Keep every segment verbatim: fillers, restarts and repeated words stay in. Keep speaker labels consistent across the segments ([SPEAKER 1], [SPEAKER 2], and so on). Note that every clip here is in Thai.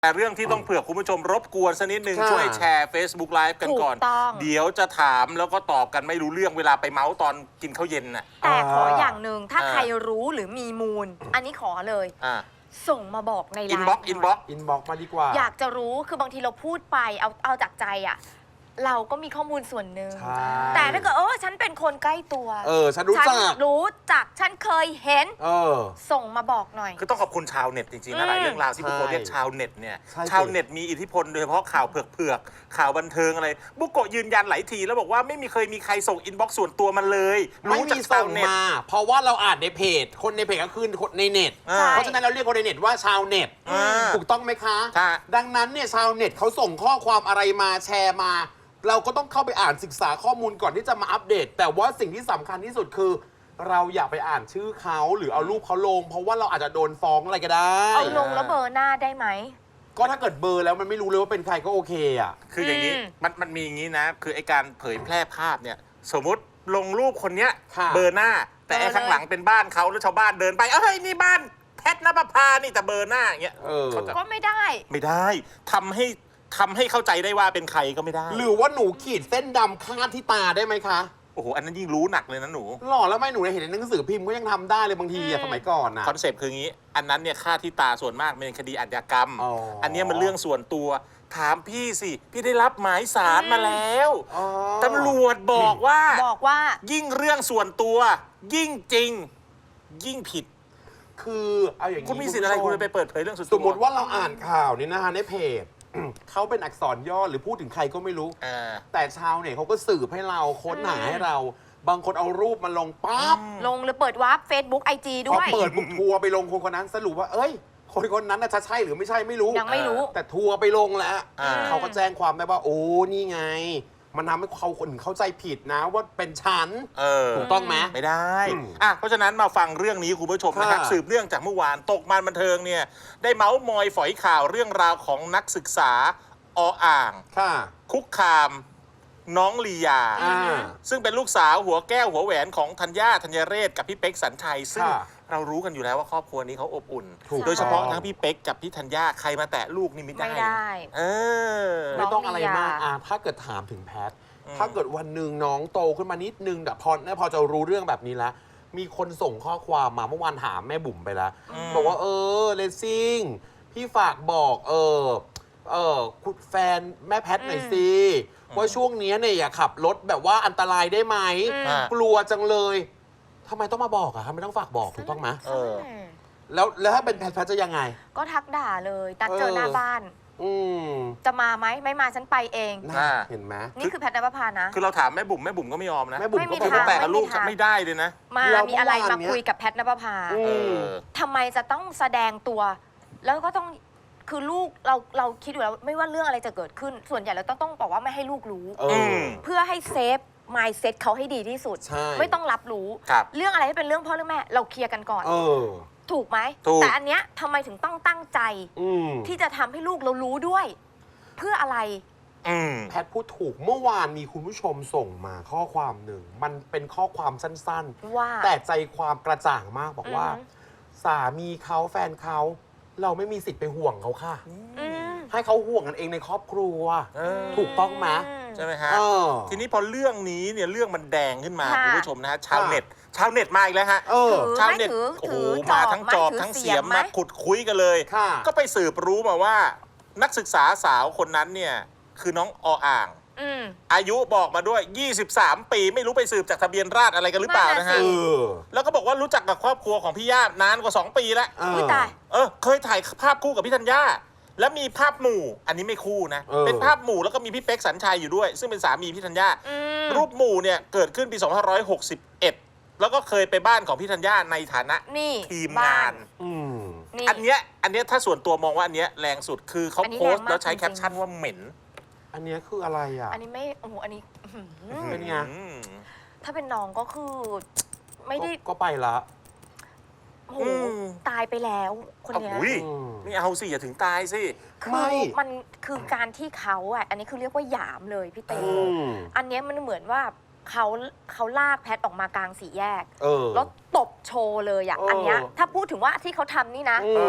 [SPEAKER 1] แต่เรื่องที่ต้องเผื่อคุณผู้ชมรบกวนสักนิดนึงช่วยแชร์ Facebook Live กันก่อนเดี๋ยวจะถามแล้วก็ตอบกันไม่รู้เรื่องเวลาไปเมาส์ตอนกินข้าวเย็นน่ะ
[SPEAKER 2] แต่ขออย่างหนึ่งถ้าใครรู้หรือมีมูลอันนี้ขอเลยส่งมาบอกในไลน์อินบ็อกซ์
[SPEAKER 1] อินบ็อกซ์
[SPEAKER 3] อินบ็อกซ์มาดีกว่า
[SPEAKER 2] อยากจะรู้คือบางทีเราพูดไปเอาเอาจากใจอ่ะเราก็มีข้อมูลส่วนหนึ่งแต่ถ้าเกิดเออฉันเป็นคนใกล้ตัว
[SPEAKER 3] เออฉันรู้จัก
[SPEAKER 2] รู้จักฉันเคยเห็น
[SPEAKER 3] เออ
[SPEAKER 2] ส่งมาบอกหน่อย
[SPEAKER 1] คือต้องขอบคุณชาวเน็ตจริงๆนะหลายเรื่องราวที่บุโกะเรียกชาวเน็ตเนี่ยชาวเน็ตมีอิทธิพลโดยเฉพาะข่าวเผือกๆข่าวบันเทิงอะไรบุโกะยืนยันหลายทีแล้วบอกว่าไม่มีเคยมีใครส่งอินบ็อกซ์ส่วนตัวมันเลย
[SPEAKER 3] รู้จากชาวเน็ตเพราะว่าเราอ่านในเพจคนในเพจก็คือคนในเน็ตเพราะฉะนั้นเราเรียกคนในเน็ตว่าชาวเน็ตถูกต้องไหมคะดังนั้นเนี่ยชาวเน็ตเขาส่งข้อความอะไรมาแชร์มาเราก็ต้องเข้าไปอ่านศึกษาข้อมูลก่อนที่จะมาอัปเดตแต่ว่าสิ่งที่สำคัญที่สุดคือเราอย่าไปอ่านชื่อเขาหรือเอารูปเขาลงเพราะว่าเราอาจจะโดนฟ้องอะไรก็ได้
[SPEAKER 2] เอาลงแล้วเบอร์หน้าได้ไหม
[SPEAKER 3] ก็ถ้าเกิดเบอร์แล้วมันไม่รู้เลยว่าเป็นใครก็โอเคอ่ะ
[SPEAKER 1] คืออย่างนี้มันมันมีอย่างนี้นะคือไอการเผยแพร่ภาพเนี่ยสมมติลงรูปคนเนี้ยเบอร์หน้าแต่ไอข้างหลังเป็นบ้านเขาแล้วชาวบ้านเดินไปเอ้ยนี่บ้านแพทณปภานี่แต่เบอร์หน้าอย่างเงี้ย
[SPEAKER 2] ก็ไม่ได้
[SPEAKER 1] ไม่ได้ทำให้ทำให้เข้าใจได้ว่าเป็นใครก็ไม่ได้
[SPEAKER 3] หรือว่าหนูขีดเส้นดำคาดที่ตาได้ไหมคะ
[SPEAKER 1] โอ้โหอันนั้นยิ่งรู้หนักเลยนะหนู
[SPEAKER 3] หล่อแล้วไม่หนูเห็นในหนังสือพิมพ์ก็ยังทำได้เลยบางทีอะสมัยก่อนอะ
[SPEAKER 1] คอนเซปต์คืองี้อันนั้นเนี่ยค่าที่ตาส่วนมากเป็นคดีอาชญากรรม อ, อันนี้มันเรื่องส่วนตัวถามพี่สิพี่ได้รับหมายสารมาแล้วตำรวจบอกว่า
[SPEAKER 2] บอกว่า
[SPEAKER 1] ยิ่งเรื่องส่วนตัวยิ่งจริงยิ่งผิด
[SPEAKER 3] คือเอาอย่างนี้
[SPEAKER 1] คุณมีสิทธิ์อะไรคุณไปเปิดเผยเรื่องส่วนตัว
[SPEAKER 3] สมมติว่าเราอ่านข่าวนี่นะฮะในเพจเขาเป็นอักษรย่อหรือพูดถึงใครก็ไม่รู้แต่ชาวเนี่ยเขาก็สืบให้เราค้นหาให้เราบางคนเอารูปมาลงปั๊บ
[SPEAKER 2] ลงหรือเปิดวาร์ป Facebook ไอ จี ด้วย
[SPEAKER 3] พอเปิดบุกทัวร์ไปลงคนคนนั้นสรุปว่าเอ้ยคนคนนั้นน่ะจะใช่หรือไม่ใช่ไม่รู้
[SPEAKER 2] ยังไม่รู้
[SPEAKER 3] แต่ทัวร์ไปลงแล้วเขาก็แจ้งความได้ว่าโอ้นี่ไงมันทำให้เขาคนเข้าใจผิดนะว่าเป็นฉันถูกต้องไหม
[SPEAKER 1] ไม่ได้อ่ะเพราะฉะนั้นมาฟังเรื่องนี้คุณผู้ชมนะครับสืบเรื่องจากเมื่อวานตกมันบันเทิงเนี่ยได้เมาส์มอยฝอยข่าวเรื่องราวของนักศึกษาออ่างคุกคามน้องลียาซึ่งเป็นลูกสาวหัวแก้วหัวแหวนของธัญญาธัญเรศกับพี่เป๊กสัญชัยซึ่งเรารู้กันอยู่แล้วว่าครอบครัวนี้เขาอบอุ่นโดยเฉพาะทั้งพี่เป๊กกับพี่ธัญญาใครมาแตะลูกนี่ไม่ได้
[SPEAKER 2] ไม่ได้
[SPEAKER 1] เออ
[SPEAKER 3] ไม่ต้องอะไรมากอ่ะถ้าเกิดถามถึงแพทถ้าเกิดวันหนึ่งน้องโตขึ้นมานิดนึงแต่พอพอจะรู้เรื่องแบบนี้แล้วมีคนส่งข้อความมาเมื่อวานถามแม่บุ๋มไปแล้วบอกว่าเออเลซิ่งพี่ฝากบอกเออเออคุณแฟนแม่แพทหน่อยสิว่าช่วงนี้เนี่ยอย่าขับรถแบบว่าอันตรายได้ไหมกลัวจังเลยทำไมต้องมาบอกอะทำไมต้องฝากบอกถูกต้องไหมแล้วแล้วถ้าเป็นแพทแพทจะยังไง
[SPEAKER 2] ก็ทักด่าเลยนัดเจอหน้าบ้านจะมาไหมไม่มาฉันไปเอง
[SPEAKER 3] เห็นไหม
[SPEAKER 2] นี่คือแพทณปภานะ
[SPEAKER 1] คือเราถามแม่บุ๋มแม่บุ๋มก็ไม่ยอมนะ
[SPEAKER 3] แม่บุ๋มก็
[SPEAKER 1] ไม่แต่ลูกไม่ได้เลยนะ
[SPEAKER 2] มามีอะไรมาคุยกับแพทณปภาทำไมจะต้องแสดงตัวแล้วก็ต้องคือลูกเราเราคิดอยู่แล้วไม่ว่าเรื่องอะไรจะเกิดขึ้นส่วนใหญ่เราต้องต้องบอกว่าไม่ให้ลูกรู้เพื่อให้เซฟmindset เขาให้ดีที่สุดไม่ต้องรับรู้เรื่องอะไรที่เป็นเรื่องพ่อเรื่องแม่เราเคลียร์กันก่อนถูกไหมแต่อันเนี้ยทำไมถึงต้องตั้งใจที่จะทำให้ลูกเรารู้ด้วยเพื่ออะไร
[SPEAKER 3] แพทพูดถูกเมื่อวานมีคุณผู้ชมส่งมาข้อความหนึ่งมันเป็นข้อความสั้นๆแต่ใจความกระจ่างมากบอกว่าสามีเขาแฟนเขาเราไม่มีสิทธิ์ไปห่วงเขาค่ะให้เขาห่วงกันเองในครอบครัวถูกต้องไหม
[SPEAKER 1] ใช่ไหมฮะทีนี้พอเรื่องนี้เนี่ยเรื่องมันแดงขึ้นมาคุณผู้ชมนะฮะชาวเน็ตชาวเน็ตมาอีกแล้วฮะชาวเน็ตโอ้โหมาทั้งจอบทั้งเสียมมาขุดคุยกันเลยก็ไปสืบรู้มาว่านักศึกษาสาวคนนั้นเนี่ยคือน้องออ่างอายุบอกมาด้วยยี่สิบสามปีไม่รู้ไปสืบจากทะเบียนราษฎร์อะไรกันหรือเปล่านะฮะแล้วก็บอกว่ารู้จักกับครอบครัวของพี่ย่านานกว่าสองปีแล้วเออเคยถ่ายภาพคู่กับพี่ธัญญาแล้วมีภาพหมู่อันนี้ไม่คู่นะเป็นภาพหมู่แล้วก็มีพี่เป๊กสัญชัยอยู่ด้วยซึ่งเป็นสามีพี่ธัญญารูปหมู่เนี่ยเกิดขึ้นปีสองพันห้าร้อยหกสิบเอ็ดแล้วก็เคยไปบ้านของพี่ธัญญาในฐานะทีมงานอันเนี้ยอันเนี้ยถ้าส่วนตัวมองว่าอันเนี้ยแรงสุดคือเขาโพสต์แล้วใช้แคปชั่นว่าเหม็น
[SPEAKER 3] อันนี้คืออะไรอ่ะ
[SPEAKER 2] อันนี้ไม่โอ้โหอันนี้
[SPEAKER 3] เป็นไง
[SPEAKER 2] ถ้าเป็นน้องก็คือไม่ได้
[SPEAKER 3] ก็ไปละ
[SPEAKER 2] โอ้ตายไปแล้วคนนี้
[SPEAKER 1] ไม่เอาสิอย่าถึงตายสิ
[SPEAKER 2] คือมันคือการที่เขาอ่ะอันนี้คือเรียกว่าหยามเลยพี่เต้อันนี้มันเหมือนว่าเขาเขาลากแพทออกมากลางสี่แยกแล้วตบโชว์เลยอ่ะอันนี้ถ้าพูดถึงว่าที่เขาทำนี่นะ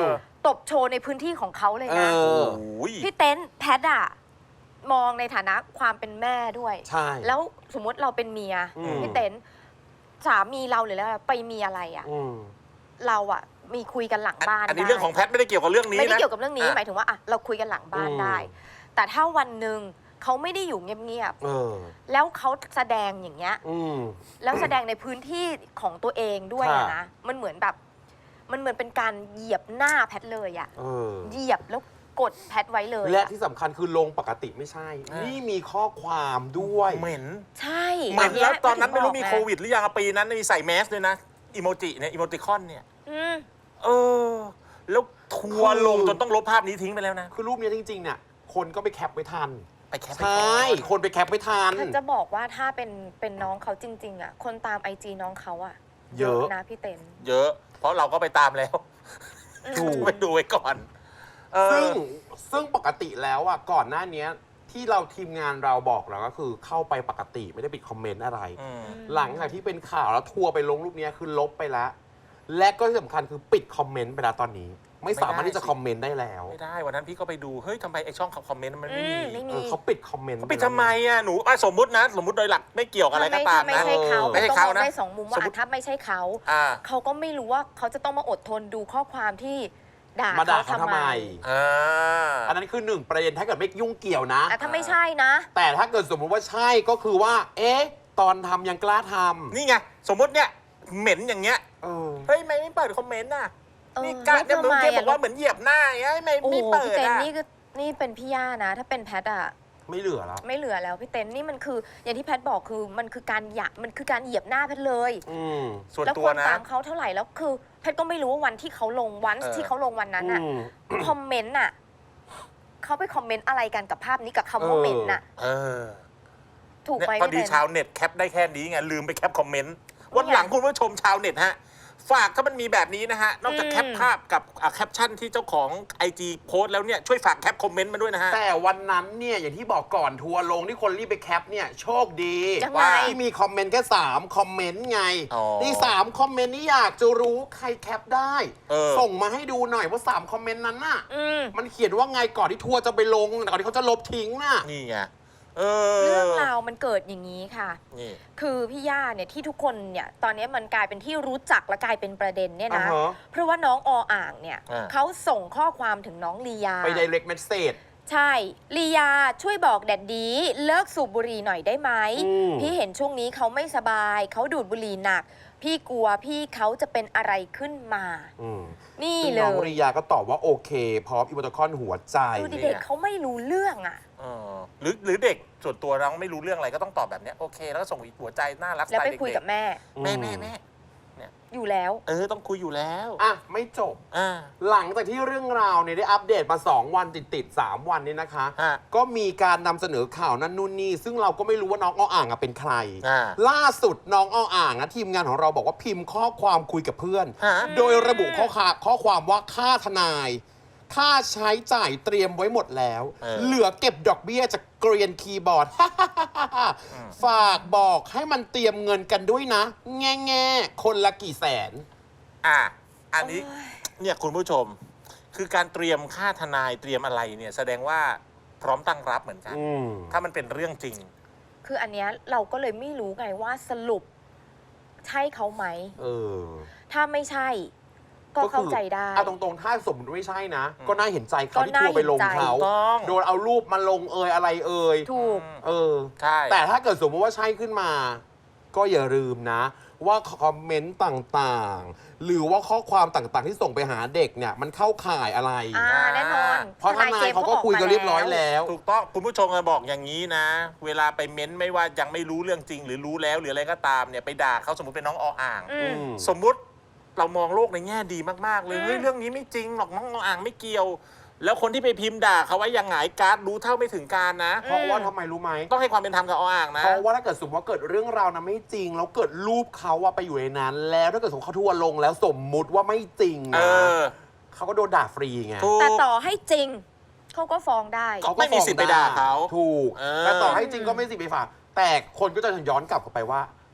[SPEAKER 2] ตบโชว์ในพื้นที่ของเขาเลย
[SPEAKER 3] เอ
[SPEAKER 2] นะ
[SPEAKER 3] อ
[SPEAKER 1] โอ้ย
[SPEAKER 2] พี่เต้นแพทอะมองในฐานะความเป็นแม่ด้วย
[SPEAKER 3] ใช่
[SPEAKER 2] แล้วสมมติเราเป็นเมีย
[SPEAKER 3] อืม
[SPEAKER 2] พี่เต้นสามีเราหรือแล้วไปมีอะไรอะ
[SPEAKER 3] อืม
[SPEAKER 2] เราอะมีคุยกันหลังบ้าน
[SPEAKER 1] อันนี้
[SPEAKER 2] ได้
[SPEAKER 1] เรื่องของแพทไม่ได้เกี่ยวกับเรื่องนี้นะ
[SPEAKER 2] ไม่ได้เกี่ยวกับเรื่องนี้
[SPEAKER 1] อ่ะ
[SPEAKER 2] หมายถึงว่าอะเราคุยกันหลังบ้าน
[SPEAKER 3] อืม
[SPEAKER 2] ได้ แต่ถ้าวันหนึ่งเขาไม่ได้อยู่เงียบ
[SPEAKER 3] เออ
[SPEAKER 2] ๆแล้วเขาแสดงอย่างเงี้ย
[SPEAKER 3] อืม
[SPEAKER 2] แล้วแสดงในพื้นที่ของตัวเองด้วยอะ
[SPEAKER 3] ค่ะ
[SPEAKER 2] นะมันเหมือนแบบ มันเหมือนเป็นการเหยียบหน้าแพทเลยอะ
[SPEAKER 3] เออ
[SPEAKER 2] เหยียบแล้วกดแพทไว้เลย
[SPEAKER 3] และ
[SPEAKER 2] อะ
[SPEAKER 3] ที่สำคัญคือลงปกติไม่ใช่
[SPEAKER 1] อ่านี่
[SPEAKER 3] นี่มีข้อความด้วย
[SPEAKER 1] เหม็น
[SPEAKER 2] ใช่
[SPEAKER 1] เหม็นแล้วตอนนั้น
[SPEAKER 2] ถึ
[SPEAKER 1] ไม่
[SPEAKER 2] ง
[SPEAKER 1] รู้
[SPEAKER 2] บก
[SPEAKER 1] มี
[SPEAKER 2] ง
[SPEAKER 1] โควิดหรือยังอะปีนั้นมีใส่แมสด้วยนะอีโมจิเนี่ยอีโมติคอนเนี่ย
[SPEAKER 2] อืม
[SPEAKER 1] เออ แล้วทัวร์ลงจนต้องลบภาพนี้ทิ้งไปแล้วนะ
[SPEAKER 3] คือรูปนี้จริงๆเนี่ยคนก็ไปแคปไว้ทัน
[SPEAKER 1] ไปแคป
[SPEAKER 3] ใช่ คนไปแคปไว้ทัน
[SPEAKER 2] ฉันจะบอกว่าถ้าเป็นเป็นน้องเขาจริง ๆ อ่ะ คนตามไอจีน้องเขาอ่ะ
[SPEAKER 3] เยอะ
[SPEAKER 2] นะพี่เต็น
[SPEAKER 1] เยอะ เพราะเราก็ไปตามแล้ว
[SPEAKER 3] ถูก
[SPEAKER 1] ไปดูไว้ก่อนเออ
[SPEAKER 3] ซึ่งซึ่งปกติแล้วอ่ะก่อนหน้านี้ที่เราทีมงานเราบอกเราก็คือเข้าไปปกติไม่ได้ปิดคอมเมนต์อะไร
[SPEAKER 1] อืม
[SPEAKER 3] หลังจากที่เป็นข่าวแล้วทัวร์ไปลงรูปนี้คือลบไปแล้ว และก็ที่สำคัญคือปิดคอมเมนต์ไปแล้วตอนนี้ ไม่สามารถที่จะคอมเมนต์ได้แล้ว
[SPEAKER 1] ไม่ได้วันนั้นพี่ก็ไปดูเฮ้ยทำไมไอช่องคอมเมนต์มันไม่
[SPEAKER 2] อื
[SPEAKER 1] มี
[SPEAKER 2] มไม่มี
[SPEAKER 3] เออเขาปิดคอมเมนต์
[SPEAKER 1] เขาปิดทำไมอ่ะหนูอ่ะสมมุตินะ สมมุติโดยหลักไม่เกี่ยวกับอะไรก็ตาม
[SPEAKER 2] ไม่
[SPEAKER 1] นะ
[SPEAKER 2] ใช่เขา
[SPEAKER 1] ไม่ใช่
[SPEAKER 2] ต้อง
[SPEAKER 1] เขา
[SPEAKER 2] มอง
[SPEAKER 1] นะ
[SPEAKER 2] ได้สองมุมว่า
[SPEAKER 1] สมมุติ
[SPEAKER 2] อ่ะถ้าไม่ใช่เขา
[SPEAKER 1] อ่า
[SPEAKER 2] เขาก็ไม่รู้ว่าเขาจะต้องมาอดทนดูข้อความที่ด่า
[SPEAKER 3] มาด่า
[SPEAKER 2] เขา
[SPEAKER 3] เขา
[SPEAKER 2] ทำ
[SPEAKER 3] ทำ
[SPEAKER 2] ไม
[SPEAKER 3] ไม
[SPEAKER 1] อ่า
[SPEAKER 3] อันนั้นคือหนึ่งประเด็นถ้าเกิดไม่ยุ่งเกี่ยวนะ
[SPEAKER 2] อ่ะถ้าไม่ใช่นะ
[SPEAKER 3] แต่ถ้าเกิดสมมุติว่าใช่ก็คือว่า เอ๊ะ ตอนทำยังกล้าทำ
[SPEAKER 1] นี่ไงสมมุติเนี่ยเหม็นอย่างเงี้ย
[SPEAKER 3] เออ
[SPEAKER 1] เฮ้ยไม่ไม่เปิดคอมเมนต์น่ะ
[SPEAKER 2] เออ
[SPEAKER 1] นี่กะ
[SPEAKER 2] ลบ
[SPEAKER 1] เนี่ย
[SPEAKER 2] ทำ
[SPEAKER 1] เมื่อ
[SPEAKER 2] ไม
[SPEAKER 1] กี้
[SPEAKER 2] อ่ะ
[SPEAKER 1] บอกว่าเหมือนเหยียบหน้าอย่างเงี้ยไม่
[SPEAKER 2] โอ้โห
[SPEAKER 1] ไม่เปิ
[SPEAKER 2] พี่
[SPEAKER 1] ด
[SPEAKER 2] เต็น
[SPEAKER 1] อ่ะ
[SPEAKER 2] นี่ก็นี่เป็นพี่ย่านะ ถ้าเป็นแพทอะ
[SPEAKER 3] ไม่เหลือแล้ว
[SPEAKER 2] ไม่เหลือแล้วพี่เต็นนี่มันคือ อย่างที่แพทบอกคือมันคือการหยะมันคือการเหยียบหน้าแพทเลย
[SPEAKER 3] อืม
[SPEAKER 1] ส่วน
[SPEAKER 2] แล้ว
[SPEAKER 1] ตั
[SPEAKER 2] คว
[SPEAKER 1] นะ
[SPEAKER 2] นตามเขาเท่าไหร่แล้วคือแพทย์ก็ไม่รู้ว่าวันที่เขาลงวัน
[SPEAKER 1] เออ
[SPEAKER 2] ที่เขาลงวันนั้น
[SPEAKER 3] อื
[SPEAKER 2] อะ
[SPEAKER 3] ม
[SPEAKER 2] คอมเมนต์อะเขาไปคอมเมนต์อะไรกันกับภาพนี้กับคำว่า
[SPEAKER 3] เออ
[SPEAKER 2] เหม็นน่ะ
[SPEAKER 1] เออ
[SPEAKER 2] ถูก
[SPEAKER 1] เนี่ย
[SPEAKER 2] ไหม
[SPEAKER 1] พอดี
[SPEAKER 2] พี่เต้น
[SPEAKER 1] ชาวเน็ตแคปได้แค่นี้ไงลืมไปแคปคอมเมนต์วันหลังคุณผู้ชมชาวเน็ตฮะฝากถ้ามันมีแบบนี้นะฮะนอกจากแคปภาพกับอ่ะแคปชั่นที่เจ้าของ ไอ จี โพสต์แล้วเนี่ยช่วยฝากแคปคอมเมนต์มาด้วยนะฮะ
[SPEAKER 3] แต่วันนั้นเนี่ยอย่างที่บอกก่อนทัวร์ลงที่คนรีบไปแคปเนี่ยโชคดี
[SPEAKER 2] ยังไง
[SPEAKER 3] ว่าที่มีคอมเมนต์แค่สามคอมเมนต์ไง
[SPEAKER 1] อ๋อ
[SPEAKER 3] นี่สามคอมเมนต์นี่อยากจะรู้ใครแคปได้
[SPEAKER 1] เออ
[SPEAKER 3] ส่งมาให้ดูหน่อยว่าสามคอมเมนต์นั้นน่ะ
[SPEAKER 2] อืม
[SPEAKER 3] มันเขียนว่าไงก่อนที่ทัวร์จะไปลงก่อนที่เขาจะลบทิ้งน่ะ
[SPEAKER 1] นี่ไงเออ
[SPEAKER 2] เรื่องราวมันเกิดอย่างนี้ค่ะ
[SPEAKER 1] นี่
[SPEAKER 2] คือพี่ย่าเนี่ยที่ทุกคนเนี่ยตอนนี้มันกลายเป็นที่รู้จักและกลายเป็นประเด็นเนี่ยนะ
[SPEAKER 3] อ่าฮะ
[SPEAKER 2] เพราะว่าน้องออ่างเนี่ย
[SPEAKER 1] อ่า
[SPEAKER 2] เขาส่งข้อความถึงน้องลียา
[SPEAKER 3] ไป direct message
[SPEAKER 2] ใช่ ลียาช่วยบอกแดดดีเลิกสูบบุหรี่หน่อยได้ไหม
[SPEAKER 3] อืม
[SPEAKER 2] พี่เห็นช่วงนี้เขาไม่สบาย เขาดูดบุหรี่หนัก พี่กลัวพี่เขาจะเป็นอะไรขึ้นมา
[SPEAKER 3] อืม
[SPEAKER 2] นี่
[SPEAKER 3] ซึ่ง
[SPEAKER 2] เล
[SPEAKER 3] น้อง
[SPEAKER 2] ย
[SPEAKER 3] ริยาก็ตอบว่าโอเค พร้อมอีโมติคอนหัวใจ
[SPEAKER 2] ดูดิเด็กเขาไม่รู้เรื่องอ่ะ
[SPEAKER 1] เออหรือหรือเด็กส่วนตัวน้องไม่รู้เรื่องอะไรก็ต้องตอบแบบเนี้ยโอเค แล้วก็ส่งหัวใจน่ารักส
[SPEAKER 2] แล้ว
[SPEAKER 1] ไต
[SPEAKER 2] ไป
[SPEAKER 1] ล์เด็ก
[SPEAKER 2] คุยกับแม่
[SPEAKER 1] ๆแม่แม่แม่
[SPEAKER 2] อยู่แล้ว
[SPEAKER 1] เออต้องคุยอยู่แล้ว
[SPEAKER 3] อ่ะ ไม่จบ
[SPEAKER 1] อ่า
[SPEAKER 3] หลังจากที่เรื่องราวเนี่ยได้อัปเดตมา สอง วันติดๆสามวันนี้นะคะ
[SPEAKER 1] ฮะ
[SPEAKER 3] ก็มีการนำเสนอข่าวนั่นนู่นนี่ ซึ่งเราก็ไม่รู้ว่าน้องอ้ออ่างอะเป็นใคร
[SPEAKER 1] อ่า
[SPEAKER 3] ล่าสุดน้องอ้ออ่างนะทีมงานของเราบอกว่าพิมพ์ข้อความคุยกับเพื่อน
[SPEAKER 1] ฮะ
[SPEAKER 3] โดยระบุข้อความข้อความว่าค่าทนาย ค่าใช้จ่ายเตรียมไว้หมดแล้ว
[SPEAKER 1] เออ
[SPEAKER 3] เหลือเก็บดอกเบี้ยจากเกรียนคีย์บอร์ด ฝากบอกให้มันเตรียมเงินกันด้วยนะ แง่แง่ๆคนละกี่แสน
[SPEAKER 1] อ่ะอันนี้
[SPEAKER 2] โอ้ย
[SPEAKER 1] เนี่ยคุณผู้ชม คือการเตรียมค่าทนายเตรียมอะไรเนี่ยแสดงว่าพร้อมตั้งรับเหมือนกัน
[SPEAKER 3] อืม
[SPEAKER 1] ถ้ามันเป็นเรื่องจริง
[SPEAKER 2] คืออันเนี้ยเราก็เลยไม่รู้ไงว่าสรุปใช่เขาไหม
[SPEAKER 3] เออ
[SPEAKER 2] ถ้าไม่ใช่ ก็เข้าใจได้
[SPEAKER 3] เอาตรงๆ ถ้าสมมติไม่ใช่นะ
[SPEAKER 1] อืม
[SPEAKER 3] ก็น่าเห็นใจเขา
[SPEAKER 2] ก็
[SPEAKER 3] ที่
[SPEAKER 2] น่า
[SPEAKER 3] ทัวร์ไปลง
[SPEAKER 2] เห็นใจ
[SPEAKER 3] เขา
[SPEAKER 1] ถูกต้อง
[SPEAKER 3] โดนเอารูปมาลงเอยอะไรเอย
[SPEAKER 2] ถูก
[SPEAKER 3] เออ
[SPEAKER 1] ใช่
[SPEAKER 3] แต่ถ้าเกิดสมมติว่าใช่ขึ้นมา ก็อย่าลืมนะ ว่าคอมเมนต์ต่างๆ หรือว่าข้อความต่างๆ ที่ส่งไปหาเด็กเนี่ย มันเข้าข่ายอะไร
[SPEAKER 2] อ่าแน่นอน
[SPEAKER 3] เพราะทนายเขาก็คุยกันเรียบร้อยแล้ว
[SPEAKER 1] ถูกต้องคุณผู้ชมจะบอกอย่างนี้นะ เวลาไปเม้นไม่ว่ายังไม่รู้เรื่องจริง หรือรู้แล้วหรืออะไรก็ตามเนี่ยไปด่าเขาสมมติเป็นน้องออ่าง
[SPEAKER 2] อืม
[SPEAKER 3] อืม
[SPEAKER 1] สมมุติเรามองโลกในแง่ดีมากๆเลย
[SPEAKER 2] อืม
[SPEAKER 1] เฮ้ยเรื่องนี้ไม่จริงหรอกน้องออ่างไม่เกี่ยว แล้วคนที่ไปพิมพ์ด่าเขาไว้ยังไงการ์ดรู้เท่าไม่ถึงการนะ
[SPEAKER 3] เพราะว่าทำไมรู้ไหม
[SPEAKER 1] ต้องให้ความเป็นธรรมกับออ่างนะ
[SPEAKER 3] เพราะว่าถ้าเกิดสมมติว่าเกิดเรื่องราวนะไม่จริง แล้วเกิดรูปเขาว่าไปอยู่ในนั้น แล้วถ้าเกิดสมมติเขาทัวร์ลงแล้วสมมุติว่าไม่จริง
[SPEAKER 1] เอ
[SPEAKER 3] นะ
[SPEAKER 1] อ
[SPEAKER 3] เขาก็โดนด่าฟรีไง
[SPEAKER 1] ถูก
[SPEAKER 2] แต่ต่อให้จริง เขาก็ฟ้องได้
[SPEAKER 1] เขาไม่มีสิทธิ์ไปด่าเขา
[SPEAKER 3] ถูก
[SPEAKER 1] เออ
[SPEAKER 3] แต่ต่อให้จริงก็ไม่มีสิทธิ์ไปฝากแต่คนก็จะย้อนกลับกลับไปว่า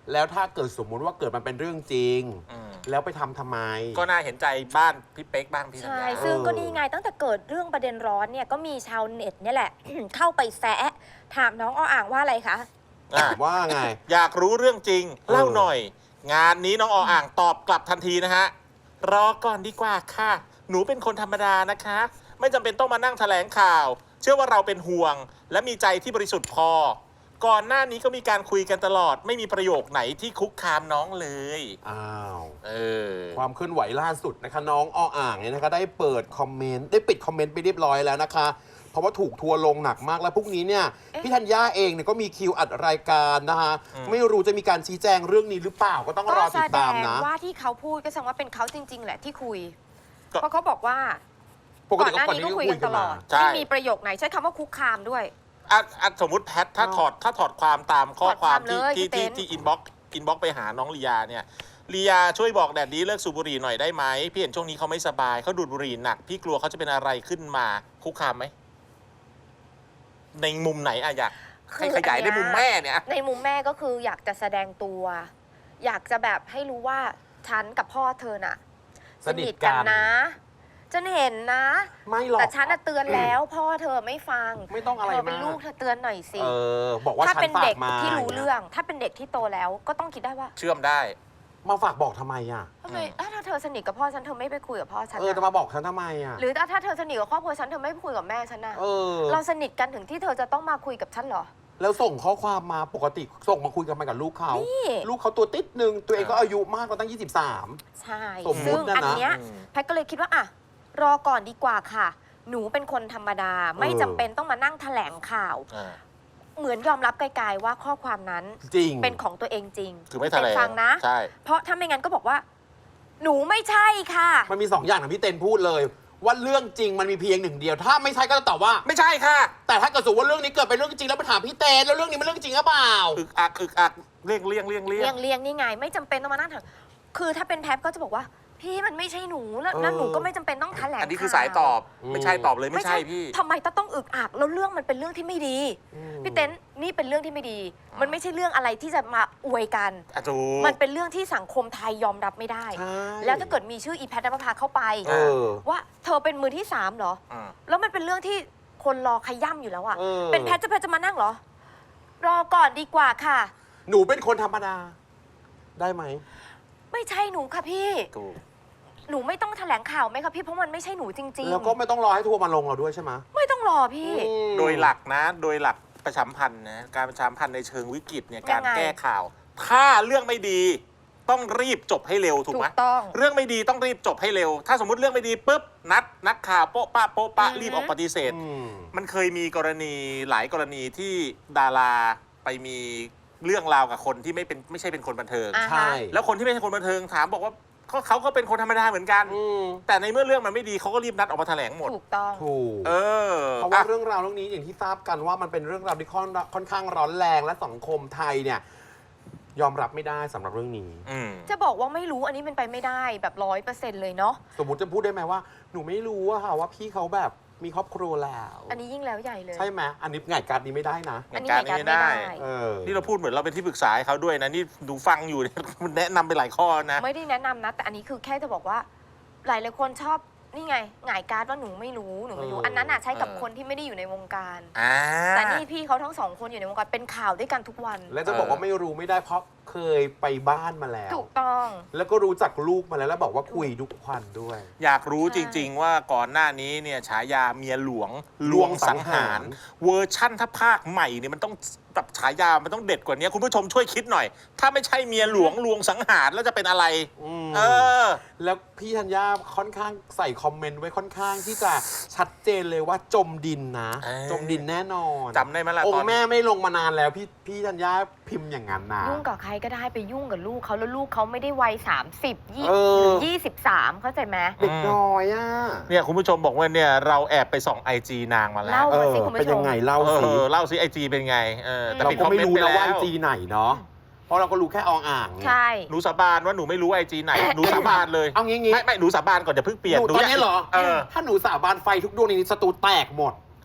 [SPEAKER 3] แล้วถ้าเกิดสมมุติว่าเกิดมันเป็นเรื่องจริง แล้วไปทำทำไม
[SPEAKER 1] ก็น่าเห็นใจบ้านพี่เป๊กบ้างพี่ธัญ
[SPEAKER 2] ใช่
[SPEAKER 1] ญา
[SPEAKER 2] ซึ่งก็นี่ไงตั้งแต่เกิดเรื่องประเด็นร้อนเนี่ยก็มีชาวเน็ตเนี่ยแหละ เข้าไปแซะถามน้องอ้ออ่างว่าอะไรคะ
[SPEAKER 1] อ่ะ
[SPEAKER 3] ว่าไง
[SPEAKER 1] อยากรู้เรื่องจริง เล่าหน่อย งานนี้น้องออ่างตอบกลับทันทีนะฮะ รอก่อนดีกว่าค่ะ หนูเป็นคนธรรมดานะคะ ไม่จำเป็นต้องมานั่งแถลงข่าว เชื่อว่าเราเป็นห่วง และมีใจที่บริสุทธิ์พอ ก่อนหน้านี้ก็มีการคุยกันตลอด ไม่มีประโยคไหนที่คุกคามน้องเลย
[SPEAKER 3] อ้าว
[SPEAKER 1] เออ
[SPEAKER 3] ความเคลื่อนไหวล่าสุดนะคะน้องอ้ออ่างเนี่ยนะคะได้เปิดคอมเมนต์ได้ปิดคอมเมนต์ไปเรียบร้อยแล้วนะคะ เพราะว่าถูกทัวร์ลงหนักมากแล้วพรุ่งนี้เนี่ย
[SPEAKER 2] เอ๊ะ
[SPEAKER 3] พี่ธัญญาเองเนี่ยก็มีคิวอัดรายการนะคะ
[SPEAKER 1] อืม
[SPEAKER 3] ไม่รู้จะมีการชี้แจงเรื่องนี้หรือเปล่าก็ต้องร
[SPEAKER 2] ก็
[SPEAKER 3] อ
[SPEAKER 2] แส
[SPEAKER 3] ติด
[SPEAKER 2] ด
[SPEAKER 3] ตาม
[SPEAKER 2] ง
[SPEAKER 3] นะ
[SPEAKER 2] ว่าที่เขาพูดก็แสดงว่าเป็นเขาจริง ๆ แหละที่คุย
[SPEAKER 1] ก็
[SPEAKER 2] เพราะเขาบอกว่า
[SPEAKER 3] ปก
[SPEAKER 2] ก่อ
[SPEAKER 3] ติ
[SPEAKER 2] นหน้านี้ก็คุยกันตลอด
[SPEAKER 1] ใช่
[SPEAKER 2] ไม่มีประโยคไหนใช้คำว่าคุกคามด้วย
[SPEAKER 1] อ่ะอ่ะสมมติแพทถ้า
[SPEAKER 3] อ้าว
[SPEAKER 1] ถอดถ้าถอดความตามข้อ
[SPEAKER 2] ถอดความ ม
[SPEAKER 1] คาวที่
[SPEAKER 2] เลย
[SPEAKER 1] ที่
[SPEAKER 2] พี่
[SPEAKER 1] ที่
[SPEAKER 2] เต้น
[SPEAKER 1] ที่อินบ็อกอินบ็อกไปหาน้องลียาเนี่ยลียาช่วยบอกแดดดี้เลิกสูบบุหรี่หน่อยได้ไหมพี่เห็นช่วงนี้เขาไม่สบายเขาดูดบุหรี่หนัก พี่กลัวเขาจะเป็นอะไรขึ้นมาคุกคามไหมในมุมไหนอะอยากให้ขยายในมุมแม่เนี่ย
[SPEAKER 2] ในมุมแม่ก็คืออยากจะแสดงตัว อยากจะแบบให้รู้ว่าฉันกับพ่อเธอน่ะ
[SPEAKER 3] สนิทกัน
[SPEAKER 2] นะฉันเห็นนะ
[SPEAKER 3] ไม่หรอก
[SPEAKER 2] แต่ฉันน่ะเตือนแล้วพ่อเธอไม่ฟัง
[SPEAKER 3] ไม่ต้องอะไร
[SPEAKER 2] เธอเป็น
[SPEAKER 3] มาก
[SPEAKER 2] ลูกเธอเตือนหน่อยสิ
[SPEAKER 3] เออบอกว่า
[SPEAKER 2] ถ้า
[SPEAKER 3] ฉัน
[SPEAKER 2] เป็น
[SPEAKER 3] ฝา
[SPEAKER 2] เด็
[SPEAKER 3] ก
[SPEAKER 2] ก
[SPEAKER 3] มา
[SPEAKER 2] ที่รู้เรื่อง ถ้าเป็นเด็กที่โตแล้วก็ต้องคิดได้ว่า
[SPEAKER 1] เชื่อมได้
[SPEAKER 3] มาฝากบอกทำไมอ่ะ
[SPEAKER 2] ทำไมเอ้าถ้าเธอสนิทกับพ่อฉันเธอไม่ไปคุยกับพ่อฉัน
[SPEAKER 3] เออจะ
[SPEAKER 2] น่ะ
[SPEAKER 3] มาบอกฉันทำไมอ่ะ
[SPEAKER 2] หรือถ้าเธอสนิทกับครอบครัวฉันเธอไม่ไปคุยกับแม่ฉันน่ะ
[SPEAKER 3] เออ
[SPEAKER 2] เราสนิทกันถึงที่เธอจะต้องมาคุยกับฉันเหรอ
[SPEAKER 3] แล้วส่งข้อความมาปกติส่งมาคุยกันมากับลูกเขา
[SPEAKER 2] นี่
[SPEAKER 3] ลูกเขาตัวติดหนึ่งตัวเองก็อายุมากกว่าตั้งยี่สิบสาม
[SPEAKER 2] ใช่
[SPEAKER 3] สมมุติ
[SPEAKER 2] ซึ่ง
[SPEAKER 3] นะนะ
[SPEAKER 2] อันเนี้ย
[SPEAKER 1] อืม
[SPEAKER 2] แพทย์ก็เลยคิดว่าอ่ะรอก่อนดีกว่าค่ะ หนูเป็นคนธรรมดา ไม่จำเป็นต้องมานั่งแถลงข่าว
[SPEAKER 1] อ่า
[SPEAKER 2] เหมือนยอมรับไกลๆว่าข้อความนั้น
[SPEAKER 3] จริง
[SPEAKER 2] เป็นของตัวเองจริง
[SPEAKER 1] คือไม่แถล
[SPEAKER 2] เป็น
[SPEAKER 1] ง
[SPEAKER 2] ฟังนะ
[SPEAKER 1] ใช่
[SPEAKER 2] เพราะถ้าไม่งั้นก็บอกว่า หนูไม่ใช่ค่ะ
[SPEAKER 3] มันมีสองอย่างนะพี่เต้นพูดเลย ว่าเรื่องจริงมันมีเพียงหนึ่งเดียว ถ้าไม่ใช่ก็จะตอบว่า
[SPEAKER 1] ไม่ใช่ค่ะ
[SPEAKER 3] แต่ถ้าเกิดสมมติว่าเรื่องนี้เกิดเป็นเรื่องจริงแล้วไปถามพี่เต้นแล้วเรื่องนี้มันเรื่องจริงหรือเปล่า
[SPEAKER 1] อึกอักอึกอักเลี่ยงเลี่ยงเลี่ยงเลี่ย
[SPEAKER 2] เลีย
[SPEAKER 1] ง
[SPEAKER 2] งเลียงนี่ไง ไม่จำเป็นต้องมานั่งถามคือถ้าเป็นแพทย์ก็จะบอกว่า พี่มันไม่ใช่หนูแล้ว
[SPEAKER 3] เออ
[SPEAKER 2] นั่นหนูก็ไม่จำเป็นต้องแถลง
[SPEAKER 1] อันนี้คือ
[SPEAKER 2] ข่ว
[SPEAKER 1] สายตอบ
[SPEAKER 3] อืม
[SPEAKER 1] ไม่ใช่ตอบเลยไม่ใช่พี่
[SPEAKER 2] ทำไมต้องต้องอึกอักแล้วเรื่องมันเป็นเรื่องที่ไม่ดี
[SPEAKER 3] อืม
[SPEAKER 2] พี่เต้นนี่เป็นเรื่องที่ไม่ดี มันไม่ใช่เรื่องอะไรที่จะมาอวยกัน
[SPEAKER 1] อ่ะถูก
[SPEAKER 2] มันเป็นเรื่องที่สังคมไทยยอมรับไม่ได้
[SPEAKER 3] ใช่
[SPEAKER 2] แล้วถ้าเกิดมีชื่ออีแพทย์นภพาเข้าไป
[SPEAKER 3] เออ
[SPEAKER 2] ว่าเธอเป็นมือที่สามเหรอ
[SPEAKER 1] อืม
[SPEAKER 2] แล้วมันเป็นเรื่องที่คนรอขย่ำอยู่แล้วอะ
[SPEAKER 3] เออ
[SPEAKER 2] เป็นแพทย์จะแพทย์จะมานั่งเหรอ รอก่อนดีกว่าค่ะ
[SPEAKER 3] หนูเป็นคนธรรมดา ได้ไหม
[SPEAKER 2] ไม่ใช่หนูค่ะพี่
[SPEAKER 1] ถูก
[SPEAKER 2] หนูไม่ต้องแถลงข่าวไหมคะพี่เพราะมันไม่ใช่หนูจริง
[SPEAKER 3] แล้วก็ไม่ต้องรอให้ทัวร์มาลงเราด้วยใช่ไหม
[SPEAKER 2] ๆ ไม่ต้องรอพี่
[SPEAKER 3] อืม
[SPEAKER 1] โดยหลักนะ โดยหลักประชาสัมพันธ์นะ การประชาสัมพันธ์ในเชิงวิกฤตเนี่ย การ
[SPEAKER 2] ยังไง
[SPEAKER 1] แก้ข่าว ถ้าเรื่องไม่ดี ต้องรีบจบให้เร็วถูก
[SPEAKER 2] ถู
[SPEAKER 1] ไหม
[SPEAKER 2] กต้อง
[SPEAKER 1] เรื่องไม่ดีต้องรีบจบให้เร็ว ถ้าสมมติเรื่องไม่ดีปุ๊บ นัดนักข่าวโป๊ะปะโป๊ะปะ
[SPEAKER 2] อือฮึ
[SPEAKER 1] รีบออกปฏิเสธ
[SPEAKER 3] อืม
[SPEAKER 1] มันเคยมีกรณีหลายกรณีที่ดาราไปมีเรื่องราวกับคนที่ไม่เป็นไม่ใช่เป็นคนบันเทิง
[SPEAKER 2] อ่า
[SPEAKER 3] ใช่
[SPEAKER 2] ฮะ
[SPEAKER 1] แล้วคนที่ไม่ใช่คนบันเทิงถามบอกว่าเขาเขาก็เป็นคนธรรมดาเหมือนกัน
[SPEAKER 3] อืม
[SPEAKER 1] แต่ในเมื่อเรื่องมันไม่ดีเขาก็รีบนัดออกมาแถลงหมด
[SPEAKER 2] ถูกต้อง
[SPEAKER 3] ถูก
[SPEAKER 1] เออ
[SPEAKER 3] เพราะว่า
[SPEAKER 1] อ่ะ
[SPEAKER 3] เรื่องราวเรื่องนี้อย่างที่ทราบกันว่ามันเป็นเรื่องราวที่ค่อนค่อนข้างร้อนแรงและสังคมไทยเนี่ย ยอมรับไม่ได้สำหรับเรื่องนี้
[SPEAKER 1] อืม
[SPEAKER 2] จะบอกว่าไม่รู้อันนี้เป็นไปไม่ได้แบบร้อยเปอร์เซ็นต์เลยเนาะ
[SPEAKER 3] สมมติจะพูดได้ไหมว่าหนูไม่รู้อะค่ะว่าพี่เขาแบบมีครอบครัวแล้ว
[SPEAKER 2] อันนี้ยิ่งแล้วใหญ่เลย
[SPEAKER 3] ใช่ไหมอันนี้ไงการนี้ไม่ได้นะ
[SPEAKER 2] อันนี้
[SPEAKER 1] การ
[SPEAKER 2] ไหน
[SPEAKER 1] นี้
[SPEAKER 2] กัน
[SPEAKER 1] ไม่
[SPEAKER 2] ไม่
[SPEAKER 1] ได้
[SPEAKER 2] ได้
[SPEAKER 3] เออ
[SPEAKER 1] นี่เราพูดเหมือนเราเป็นที่ปรึกษาให้เขาด้วยนะ นี่ดูฟังอยู่เนี่ย มันแนะนำไปหลายข้อนะ
[SPEAKER 2] ไม่ได้แนะนำนะ แต่อันนี้คือแค่จะบอกว่า หลายหลายคนชอบนี่ไงหงายการ์ดว่าหนูไม่รู้หนูไม่รู้
[SPEAKER 3] เอออั
[SPEAKER 2] อันนั้นอ่ะใช้กับ
[SPEAKER 1] เออ
[SPEAKER 2] คนที่ไม่ได้อยู่ในวงการ
[SPEAKER 1] อ่า
[SPEAKER 2] แต่นี่พี่เขาทั้งสองคนอยู่ในวงการเป็นข่าวด้วยกันทุกวัน
[SPEAKER 3] และจะบอกว่าไม่รู้ไม่ได้เพราะเคยไปบ้านมาแล้ว
[SPEAKER 2] ถูกต้อง
[SPEAKER 3] แล้วก็รู้จักลูกมาแล้วแล้วบอกว่าคุยทุกวันด้วย
[SPEAKER 1] อยากรู้
[SPEAKER 2] ใช่
[SPEAKER 1] จริง ๆ ว่าก่อนหน้านี้เนี่ยฉายาเมียหลวง
[SPEAKER 3] ลวงสังหาร
[SPEAKER 1] เวอร์ชั่นถ้าภาคใหม่เนี่ยมันต้องแบบฉายามันต้องเด็ดกว่านี้คุณผู้ชมช่วยคิดหน่อย ถ้าไม่ใช่เมียหลวงลวงสังหารแล้วจะเป็นอะไร
[SPEAKER 3] อืม
[SPEAKER 1] เออ
[SPEAKER 3] แล้วพี่ธัญญาค่อนข้างใส่คอมเมนต์ไว้ค่อนข้างที่จะชัดเจนเลยว่าจมดินนะ
[SPEAKER 1] เออ
[SPEAKER 3] จมดินแน่นอน
[SPEAKER 1] จำได้ไหมล่ะ
[SPEAKER 3] อง
[SPEAKER 1] ตอน
[SPEAKER 3] ค์แม่ไม่ลงมานานแล้วพี่พี่ธัญญาพิมพ์อย่างนั้นนะ
[SPEAKER 2] ยุ่งกับใครก็ได้ไปยุ่งกับลูกเขาแล้วลูกเขาไม่ได้วัยสามสิบยี่
[SPEAKER 3] เออ
[SPEAKER 2] หรือยี่สิบสามเข้าใจไหม
[SPEAKER 3] เด็กน้อยอ่ะ
[SPEAKER 1] เนี่ยคุณผู้ชมบอกว่าเนี่ยเราแอบไปส่องไอจีนางมาแล้ว
[SPEAKER 2] เล่า
[SPEAKER 3] เอ
[SPEAKER 2] มา
[SPEAKER 3] อ
[SPEAKER 2] สิคุณ
[SPEAKER 3] เป็น
[SPEAKER 2] ผู้ช
[SPEAKER 3] ยั
[SPEAKER 2] ม
[SPEAKER 3] งไงเล่า
[SPEAKER 1] เอ
[SPEAKER 3] สิ
[SPEAKER 1] อเล่าสิไอจีเป็นไงเออแต่
[SPEAKER 3] เรา
[SPEAKER 1] ปิด
[SPEAKER 3] ก็
[SPEAKER 1] คอม
[SPEAKER 3] ไม่
[SPEAKER 1] เมนต์
[SPEAKER 3] รู้
[SPEAKER 1] ไป
[SPEAKER 3] นะว่า
[SPEAKER 1] แล้ว
[SPEAKER 3] จีไหนเนาะเพราะเราก็รู้แค่อองอ่างไง
[SPEAKER 2] ใช่
[SPEAKER 1] หนูสาบานว่าหนูไม่รู้ไอจีไหนหนูสาบานเลย
[SPEAKER 3] เอางี้งี้
[SPEAKER 1] ไม่ไม่หนูสาบานก่อนจะเพิ่งเปลี่ยน
[SPEAKER 3] หนูตอนนี้เหรอ
[SPEAKER 1] เออ
[SPEAKER 3] ถ้าหนูสาบานไฟทุกดวงในนี้สตูแตกหมด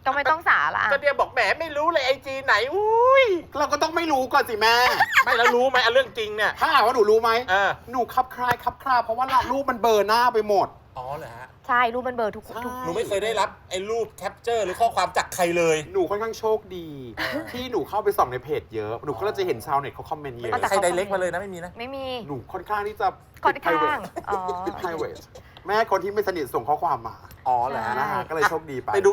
[SPEAKER 2] ก็ไม่ต้องสาละ
[SPEAKER 1] ก็เดียบอกแหมไม่รู้เลยไอจีไหนอุ้ย
[SPEAKER 3] เราก็ต้องไม่รู้ก่อนสิแม่
[SPEAKER 1] ไม่แล้วรู้ไหมเรื่องจริงเนี่ย
[SPEAKER 3] ถ้าถามว่าหนูรู้ไหม
[SPEAKER 1] เออ
[SPEAKER 3] หนูคับคลายคับคลาเพราะว่ารูปมันเบลอร์หน้าไปหมด
[SPEAKER 1] อ๋อเหรอฮะ
[SPEAKER 2] ใช่รูปมันเบลอร์ทุกทุก
[SPEAKER 1] หนูไม่เคยได้รับไอ้รูปแคปเจอร์หรือข้อความจากใครเลย
[SPEAKER 3] หนูค่อนข้างโชคดี ที่หนูเข้าไปส่องในเพจเยอะ หนูก็จะเห็นชาวเน็ตเขาคอมเมนต์เย
[SPEAKER 1] ไม่
[SPEAKER 3] อะ
[SPEAKER 1] มีใครไดเรกมาเลยนะไม่มีนะ
[SPEAKER 2] ไม่มี
[SPEAKER 3] หนูค่อนข้างที่จะ
[SPEAKER 2] ค่อนข้างอ๋อ
[SPEAKER 3] private แม่คนที่ไม่สนิทส่งข้อความมา
[SPEAKER 1] อ๋อเหรอฮะ
[SPEAKER 3] นะฮะก็เลยโชคดีไป
[SPEAKER 1] ไปดู